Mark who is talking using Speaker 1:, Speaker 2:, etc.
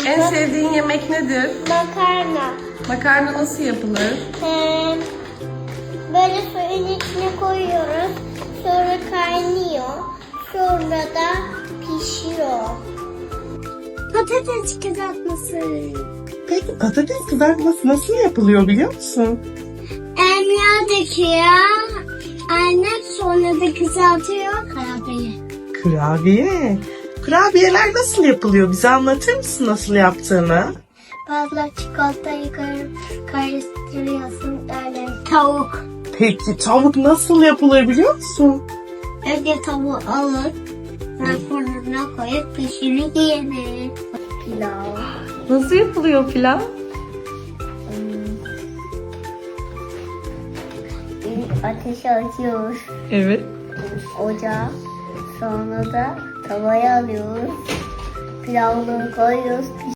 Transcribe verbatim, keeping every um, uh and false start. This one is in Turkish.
Speaker 1: En sevdiğin yemek nedir?
Speaker 2: Makarna.
Speaker 1: Makarna nasıl yapılır?
Speaker 2: Ee, böyle suyun içine koyuyoruz. Sonra kaynıyor. Sonra da pişiyor. Patates kızartması.
Speaker 3: Peki patates kızartması nasıl yapılıyor biliyor musun?
Speaker 2: Emya döküyor. Annem sonra da kızartıyor. Karabiye.
Speaker 3: Kurabiye. Kurabiyeler nasıl yapılıyor? Bize anlatır mısın nasıl yaptığını?
Speaker 2: Fazla çikolatayı karıştırıyorsun öyle. Tavuk.
Speaker 3: Peki tavuk nasıl yapılır biliyor musun?
Speaker 2: Önce tavuğu alır. Sonra fırına koyup pişirip yenir. Pilav.
Speaker 1: Nasıl yapılıyor pilav?
Speaker 2: Ateş açıyoruz.
Speaker 1: Evet.
Speaker 2: Ocağa. Sonra da tavaya alıyoruz. Pilavları koyuyoruz.